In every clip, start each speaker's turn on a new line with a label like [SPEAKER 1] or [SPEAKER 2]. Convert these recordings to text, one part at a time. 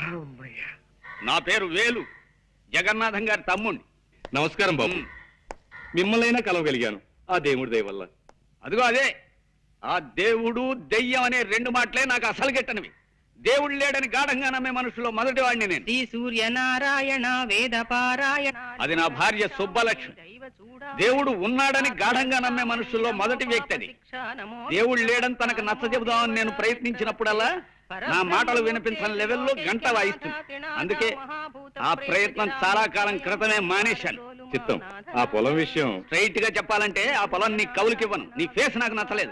[SPEAKER 1] నా పేరు వేలు, జగన్నాథం గారి తమ్ముణ్ణి.
[SPEAKER 2] నమస్కారం బాబు. మిమ్మల్నైనా కలవగలిగాను ఆ దేవుడి దయ వల్ల.
[SPEAKER 1] అదిగో అదే, ఆ దేవుడు దెయ్యం అనే రెండు మాటలే నాకు అసలు గిట్టనివి. దేవుడు లేడని గాఢంగా నమ్మే మనుషులో మొదటి వాడిని నేను.
[SPEAKER 3] శ్రీ సూర్యనారాయణ వేద పారాయణ.
[SPEAKER 1] అది నా భార్య సుబ్బలక్ష్మి. దేవుడు ఉన్నాడని గాఢంగా నమ్మే మనుషుల్లో మొదటి వ్యక్తి అది. దేవుడు లేడని తనకు నచ్చ చెబుదామని నేను ప్రయత్నించినప్పుడల్లా నా మాటలు వినిపించని లెవెల్లో గంట వాయిస్తుంది. అందుకే ఆ ప్రయత్నం చాలా కాలం క్రితమే మానేశాను.
[SPEAKER 2] చిత్తం, ఆ పొలం విషయం
[SPEAKER 1] స్ట్రైట్ గా చెప్పాలంటే ఆ పొలం నీ కౌలుకివ్వను. నీ ఫేస్ నాకు నచ్చలేదు.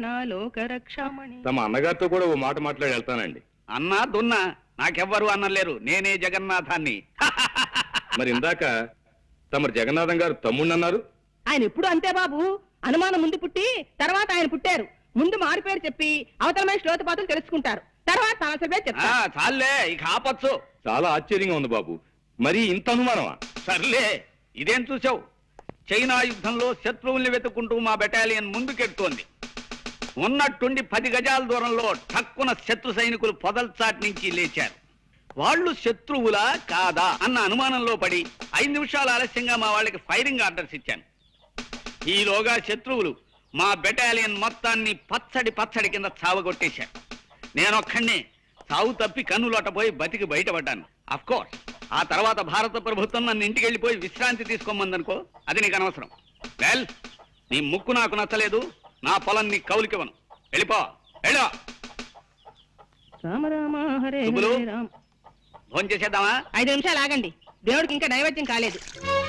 [SPEAKER 2] తమ అన్నగారితో కూడా ఓ మాట మాట్లాడి వెళ్తానండి.
[SPEAKER 1] అన్నా దున్నా నాకెవ్వరు అన్నలేరు, నేనే జగన్నాథాన్ని.
[SPEAKER 2] మరి ఇందాక తమరు జగన్నాథం గారు తమ్ముడు అన్నారు.
[SPEAKER 3] ఆయన ఎప్పుడు అంతే బాబు, అనుమానం ముందు పుట్టి తర్వాత ఆయన పుట్టారు. ముందు మారి పేరు చెప్పి అవతల మనిషి లోతుపాతులు తెలుసుకుంటారు, తర్వాత సమస్య పేరు చెప్తారు.
[SPEAKER 1] చాలే, ఇక ఆపచ్చు.
[SPEAKER 2] చాలా ఆశ్చర్యంగా ఉంది బాబు, మరి ఇంత అనుమానమా?
[SPEAKER 1] సర్లే, ఇదేం చూసావు? చైనా యుద్ధంలో శత్రువుల్ని వెతుక్కుంటూ మా బెటాలియన్ ముందుకెడుతోంది. ఉన్నట్టుండి 10 గజాల దూరంలో ఠక్కున శత్రు సైనికులు పొదల్చాటి నుంచి లేచారు. వాళ్ళు శత్రువులా కాదా అన్న అనుమానంలో పడి 5 నిమిషాలు ఆలస్యంగా మా వాళ్ళకి ఫైరింగ్ ఆర్డర్స్ ఇచ్చాను. ఈలోగా శత్రువులు మా బెటాలియన్ మొత్తాన్ని పచ్చడి కింద చావగొట్టేశారు. నేనొక్కడినే చావు తప్పి కన్నులోటపోయి బతికి బయటపడ్డాను. అఫ్కోర్స్ ఆ తర్వాత భారత ప్రభుత్వం నన్ను ఇంటికి వెళ్ళిపోయి విశ్రాంతి తీసుకోమందనుకో, అది నీకు అనవసరం. వెల్, నీ ముక్కు నాకు నచ్చలేదు, నా పొలం నీ కౌలికివ్వను. వెళ్ళిపో, వెళ్ళో.
[SPEAKER 3] రామ రామ హరే
[SPEAKER 1] సుబ్బులు,
[SPEAKER 3] రామ.
[SPEAKER 1] భోంచేసేద్దామా?
[SPEAKER 3] 5 నిమిషాలు ఆగండి, దేవుడికి ఇంకా నైవేద్యం కాలేదు.